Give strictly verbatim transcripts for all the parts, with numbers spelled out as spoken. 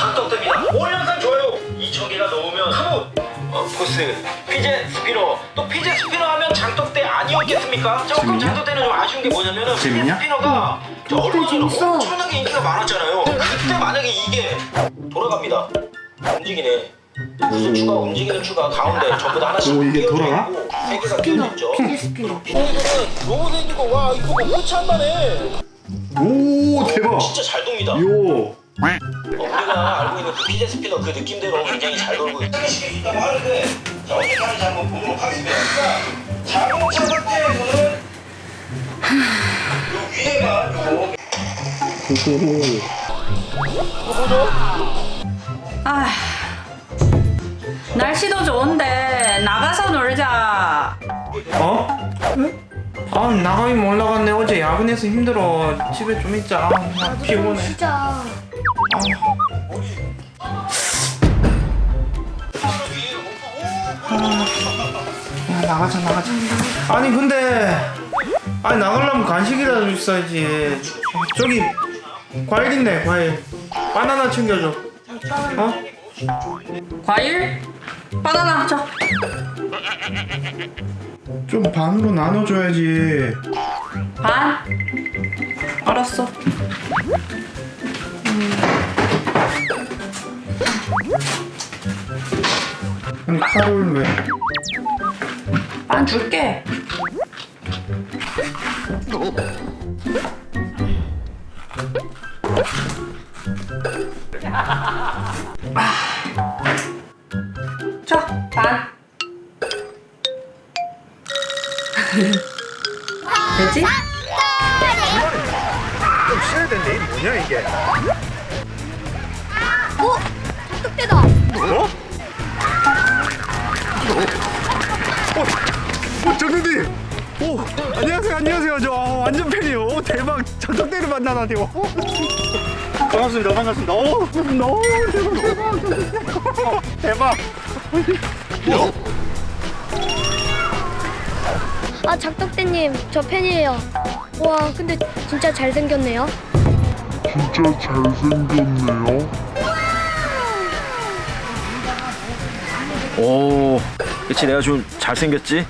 장떡됩니다. 오늘 영상 좋아요 이천 개가 넘으면 카모 어, 포스 피제 스피너. 또 피제 스피너 하면 장떡대 아니었겠습니까? 조금 재밌냐? 장떡대는 좀 아쉬운 게 뭐냐면은 피제 재밌냐? 스피너가 저 언론에는 재밌어. 엄청나게 인기가 많았잖아요. 그때 만약에 이게 돌아갑니다. 움직이네. 무슨 추가 움직이는 추가 가운데 전부 다 하나씩 오, 이게 끼워져 돌아가? 있고 세 개가 끼워져 있죠. 피제 스피너. 이거는 로봇 엔진도 와 이거 뭐 끝이 안 나네. 오 대박. 진짜 잘 돕니다. 요. 어, 우리가 알고 있는 그 피제 스피너 그 느낌대로 굉장히 잘 돌고 있다고 하는데 자 어떻게 하는지 한번 보도록 하겠습니다. 자동차 상태에서는 요 위에가 요 아, 날씨도 좋은데 나가서 놀자. 어? 아 나가긴 올라갔네. 어제 야근해서 힘들어. 집에 좀 있자. 아, 피곤해. 진짜. 야, 나가자 나가자. 아니 근데 아니 나가려면 간식이라도 있어야지. 저기 과일 있네 과일. 바나나 챙겨줘. 어? 과일? 바나나 줘. 좀 반으로 나눠줘야지. 반? 알았어. 아니 칼을 왜? 반 줄게. 자, 반. 되지? 좀 쉬어야 되는데 이게 뭐냐 이게? 어? 장떡대다. 어? 어? 어 정근님! 오 안녕하세요 안녕하세요 저 어, 완전 팬이에요. 오 대박 장떡대를 만나다니요. 어? 반갑습니다 반갑습니다. 오 너무 대박 대박. 아 장떡대님 저 팬이에요. 와 근데 진짜 잘생겼네요. 진짜 잘생겼네요. 오, 그치 내가 좀 잘생겼지?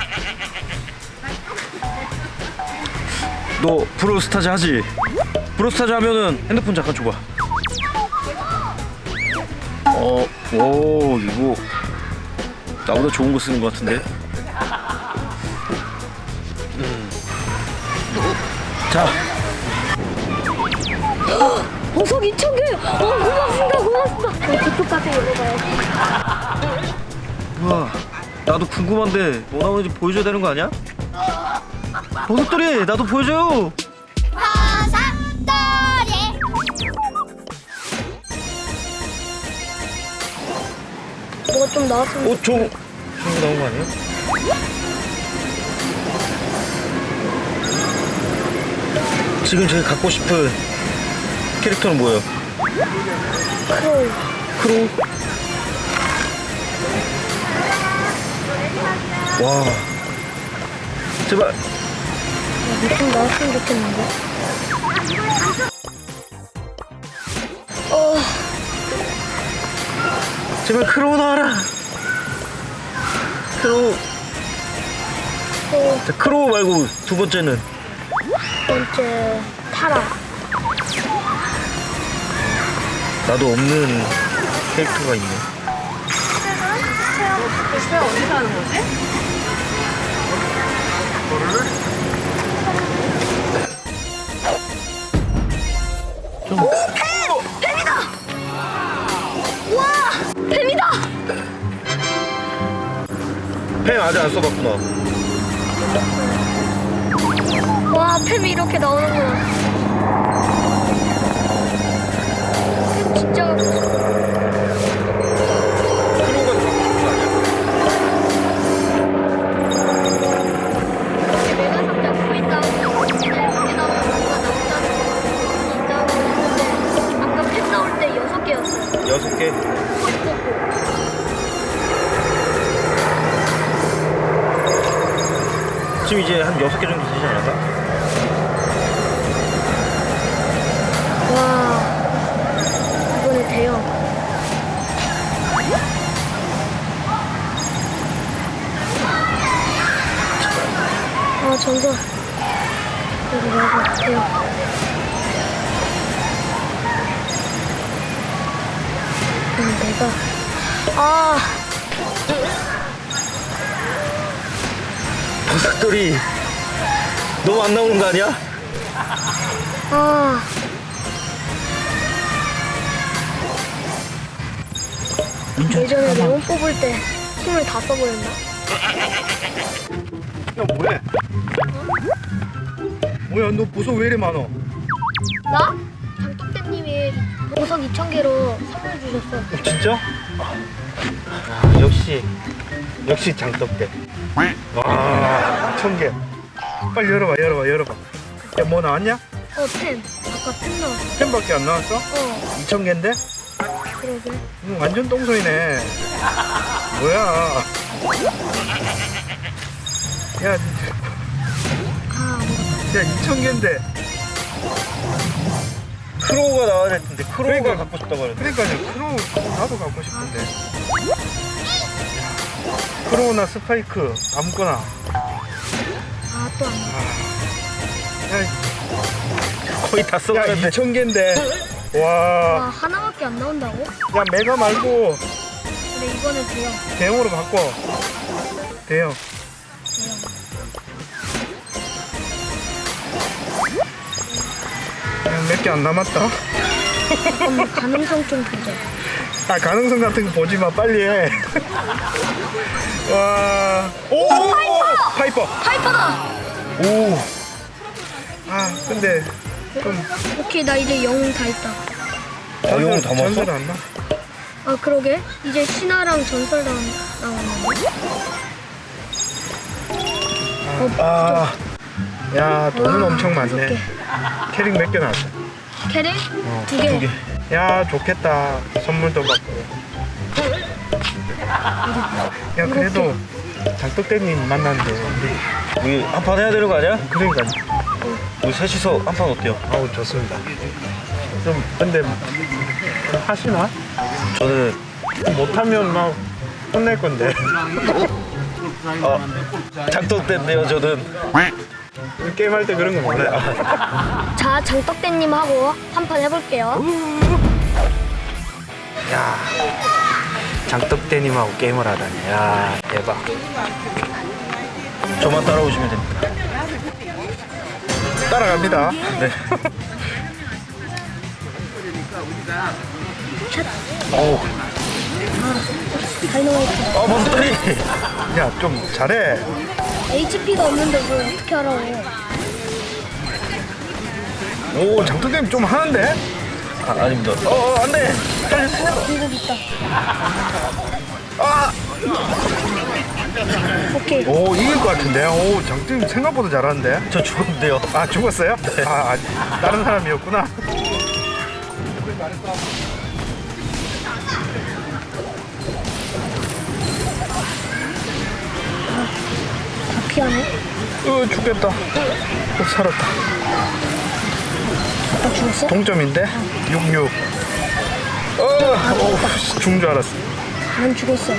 너 브로스타즈 하지? 브로스타즈 하면은 핸드폰 잠깐 줘봐. 어, 오 이거 나보다 좋은 거 쓰는 거 같은데? 음. 자, 보석 이천 개. 어 고맙습니다 고맙습니다. 저 저쪽 가서 읽어봐야지. 우와, 나도 궁금한데 뭐 나오는지 보여줘야 되는 거 아니야? 버섯돌이 나도 보여줘요. 뭐가 좀 나왔으면 어, 저 좋은 거 나온 거 아니에요? 지금 제가 갖고 싶은 캐릭터는 뭐예요? 크로우. 크로우. 와, 제발. 뭐 좀 나왔으면 좋겠는데. 어 제발 크로우 나와라. 크로우. 또 자, 크로우 말고 두 번째는 번째 타라. 나도 없는 캐릭터가 있네. 글쎄 어디서 하는 거지? 뱀이다. 펜 아직 안 써봤구나. 와 뱀이 이렇게 나오는구나. 뱀 진짜 갖고 싶어. 크로우가 더 바쁜 거 아니야? 메가 상자 코인 나오고 이렇게 나오면 뭐가 나온다는 거 있다고 했는데 아까 뱀 나올 때 여섯 개였어요. 여섯 개. 코 있었고. 지금 이제 한 여섯 개 정도 되지 않았나? 와 이번에 대형. 돼요. 그럼 내가 아 버섯돌이 너무 안 나오는 거 아니야? 아. 예전에 레몬 뽑을 때 힘을 다 써버렸나? 야 뭐해? 뭐야 너 보석 왜 이래 많어? 나? 장떡대님이 보석 이천 개로 선물 주셨어. 어, 진짜? 아, 역시 역시 장떡대. 와 천 개. 빨리 열어봐 열어봐 열어봐. 야 뭐 나왔냐? 어, 펜. 아까 펜 나왔어. 펜밖에 안 나왔어? 어, 이천 개인데? 그러게. 음, 완전 똥소이네. 뭐야? 야, 아, 아무것도. 야 이천 개인데. 크로우가 나와야 될 텐데 크로우가 그러니까. 갖고 싶다고 하는데. 그러니까요. 크로우 나도 갖고 싶은데. 크로우나 스파이크 아무거나. 아, 또 안 나왔어. 야, 거의 다 야 써가는데. 이천 개인데. 와. 아, 하나밖에 안 나온다고? 야 메가 말고 근데 이거는 돼요. 대형으로 바꿔. 대형. 몇 개 안 남았다. 잠깐만, 가능성 좀 보자. 아 가능성 같은 거 보지 마. 빨리 해. 와. 오. 파이퍼. 파이퍼다! 오. 아 근데 좀 오케이, 나 이제 영웅 다 있다. 어, 영웅 다 먹었어? 전설 안 나? 아, 그러게. 이제 신화랑 전설 나, 나왔는데. 아. 야 돈은 와, 엄청 많네. 이렇게. 캐릭 몇 개 나왔어? 캐릭? 두 개. 두 개. 야 좋겠다. 선물도 받고. 야 그래도 장떡대님 만났는데 우리 우리 한 판 해야 되는 거 아니야? 그러니까 우리 셋이서 한 판 어때요? 아우 좋습니다. 좀 근데 하시나? 저는 못하면 막 혼낼 건데. 어, 장떡대인데요. 저는 게임할 때 그런 거 몰라요. 자, 장떡대님하고 한 판 해볼게요. 야 장떡대님하고 게임을 하다니. 야 대박. 저만 따라오시면 됩니다. 따라갑니다. 네. 어우 다이너마이트. 어, 버섯돌이. 야 좀 잘해. 에이치피가 없는데 뭘 어떻게 하라고. 오 장떡대님 좀 하는데? 아, 아닙니다. 어, 어, 안 돼. 중국 있다. 아! 오케이. 오 이길 것 같은데. 오 장떡대님 생각보다 잘하는데. 저 죽었는데요. 아 죽었어요? 아, 아 다른 사람이었구나. 다 피하네. 으 죽겠다. 어, 살았다. 아빠 죽었어? 동점인데? 육육. 어, 오, 죽은 줄 알았어. 난 죽었어.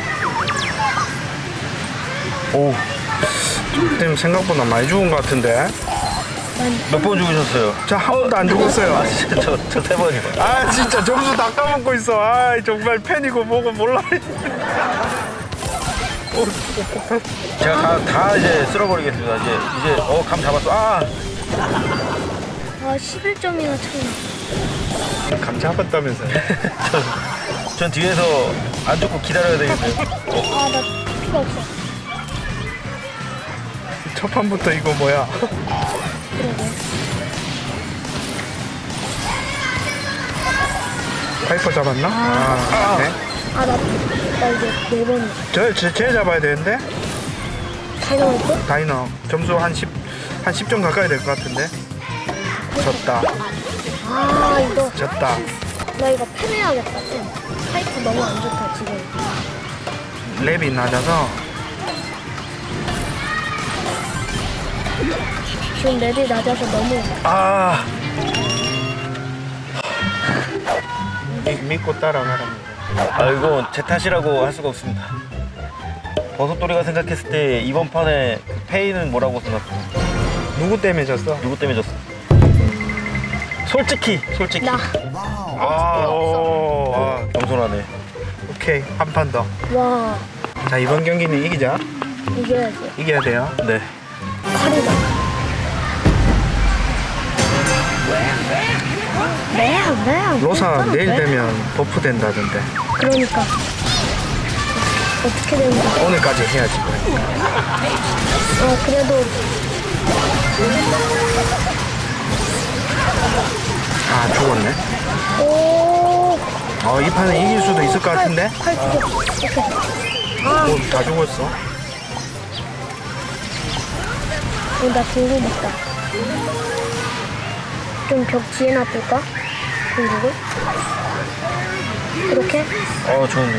오, 지금 생각보다 많이 죽은 것 같은데. 난 몇 번 죽으셨어요? 자, 한 번도 안 죽었어요. 아, 진짜 저, 저 세 번이요. 아, 진짜 점수 다 까먹고 있어. 아, 정말 팬이고 뭐고 몰라. 제가 다, 다 이제 쓸어버리겠습니다. 이제, 이제, 어, 감 잡았어. 아! 아, 십일 점이나 차이 나. 감 잡았다면서요. 전, 전 뒤에서 안 죽고 기다려야 되겠네요. 아, 나 피가 없어. 첫 판부터 이거 뭐야? 그러게. 파이퍼 잡았나? 아, 네. 아, 나, 나 이제 네 번이야. 저, 제, 제 잡아야 되는데? 다이너마이트? 다이너. 점수 한 십, 한 십 점 가까이 될 것 같은데? 졌다. 아, 이거. 졌다. 나 이거 펜해야겠다, 펜. 파이프 너무 안 좋다, 지금. 랩이 낮아서. 지금 랩이 낮아서 너무. 아! 미, 믿고 따라가랍니다. 아, 이거 제 탓이라고 할 수가 없습니다. 버섯돌이가 생각했을 때 이번 판에 페이는 뭐라고 생각해요? 누구 때문에 졌어? 누구 때문에 졌어? 솔직히 솔직히. 나. 아, 오, 아, 겸손하네. 오케이, 한 판 더. 와, 자, 이번 경기는 이기자. 이겨야지. 이겨야 돼요. 네. 칼이다. 매야, 매야. 로사 내일 매. 되면 버프 된다던데. 그러니까. 어떻게 되는 거야? 오늘까지 해야지. 어, 그래도 아, 죽었네. 오, 어, 이 판은 이길 수도 있을 것 같은데? 칼 죽어. 오케이. 아, 어, 다 죽었어. 어, 나 궁금 있다. 좀 벽 뒤에 놔둘까? 궁금을? 이렇게? 어, 좋네.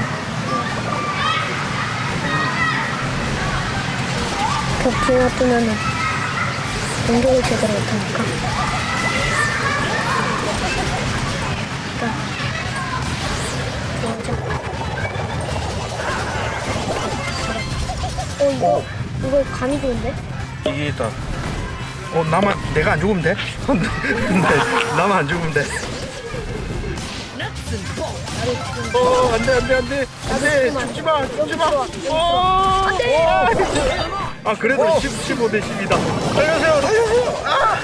벽 뒤에 놔두면은 공격을 제대로 못하니까. 일단 어, 이거, 이거 감이 좋은데? 이기겠다. 어, 나만, 내가 안 죽으면 돼? 근데, 나만 안 죽으면 돼. 어, 안 돼, 안 돼, 안 돼. 안 돼. 죽지 마, 죽지 마. 어, 안 돼! 아, 그래도 십오 대 십이다. 살려주세요, 살려주세요. 아!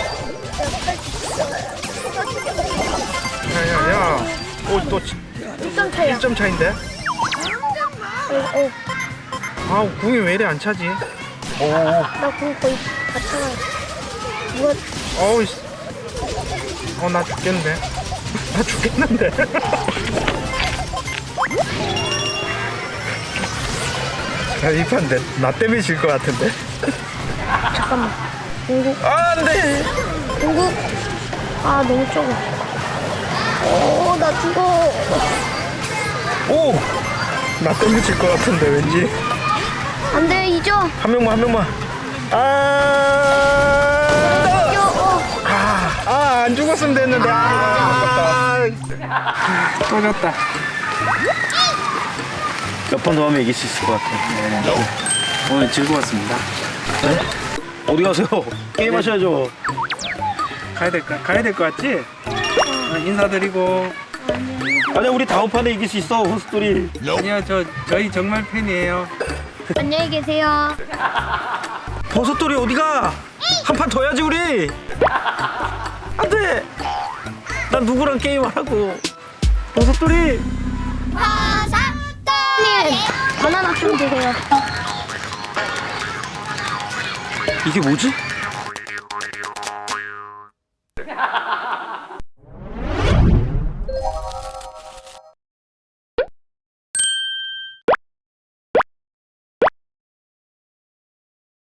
야, 야, 야. 어, 또 일 점 차이야. 일 점 차인데? 어, 어, 아, 궁이 왜 이래 안 차지? 오, 나 궁 거의 다 차가. 누가, 어우, 씨. 어, 나 죽겠는데. 나 죽겠는데. 야, 이 판 내, 나 때문에 질 것 같은데. 잠깐만. 궁극, 아, 안 돼. 궁극. 아, 너무 적어. 오, 나 죽어. 오! 나 때문에 질 것 같은데, 왠지. 안 돼, 잊어. 한 명만, 한 명만. 아! 잊어. 어. 아, 아, 안 죽었으면 됐는데. 아, 아깝다. 또 졌다. 몇 번 더 하면 이길 수 있을 것 같아요. 네. 오늘 즐거웠습니다. 네? 어디 가세요? 게임 하셔야죠. 가야 될, 까 가야 될 것 같지? 어, 인사드리고. 아니야, 우리 다음 판에 이길 수 있어, 혼스토리. 아니요, 저, 저희 정말 팬이에요. 안녕히 계세요. 버섯돌이 어디가? 한 판 더 해야지, 우리. 안 돼. 난 누구랑 게임 하라고. 버섯돌이. 님, 바나나 좀 드세요. 이게 뭐지?